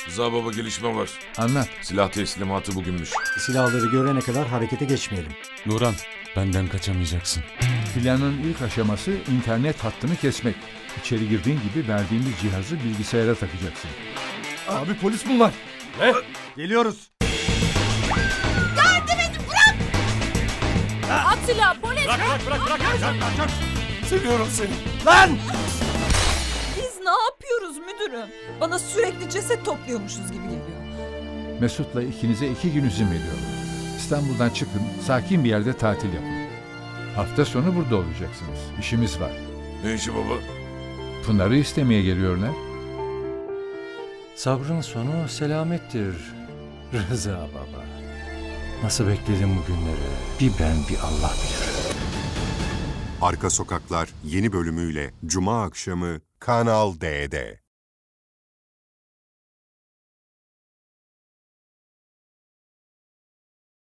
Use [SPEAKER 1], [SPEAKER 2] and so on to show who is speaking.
[SPEAKER 1] Rıza baba gelişme var.
[SPEAKER 2] Anlat.
[SPEAKER 1] Silah teslimatı bugünmüş.
[SPEAKER 3] Silahları görene kadar harekete geçmeyelim.
[SPEAKER 4] Nuran, benden kaçamayacaksın.
[SPEAKER 2] Planın ilk aşaması internet hattını kesmek. İçeri girdiğin gibi verdiğimiz cihazı bilgisayara takacaksın. Abi polis bunlar.
[SPEAKER 3] Geliyoruz.
[SPEAKER 5] At silahı polis.
[SPEAKER 1] Seviyorum seni.
[SPEAKER 3] Lan!
[SPEAKER 5] Biz ne yapıyoruz müdürüm? Bana sürekli ceset topluyormuşuz gibi geliyor.
[SPEAKER 2] Mesut'la ikinize 2 gün izin veriyorum. İstanbul'dan çıkın, sakin bir yerde tatil yapın. Hafta sonu burada olacaksınız. İşimiz var.
[SPEAKER 1] Ne işi baba?
[SPEAKER 2] Pınar'ı istemeye geliyorlar.
[SPEAKER 4] Sabrın sonu selamettir Rıza baba. Nasıl bekledim bu günleri? Bir ben bir Allah bilir.
[SPEAKER 6] Arka Sokaklar yeni bölümüyle Cuma akşamı Kanal D'de.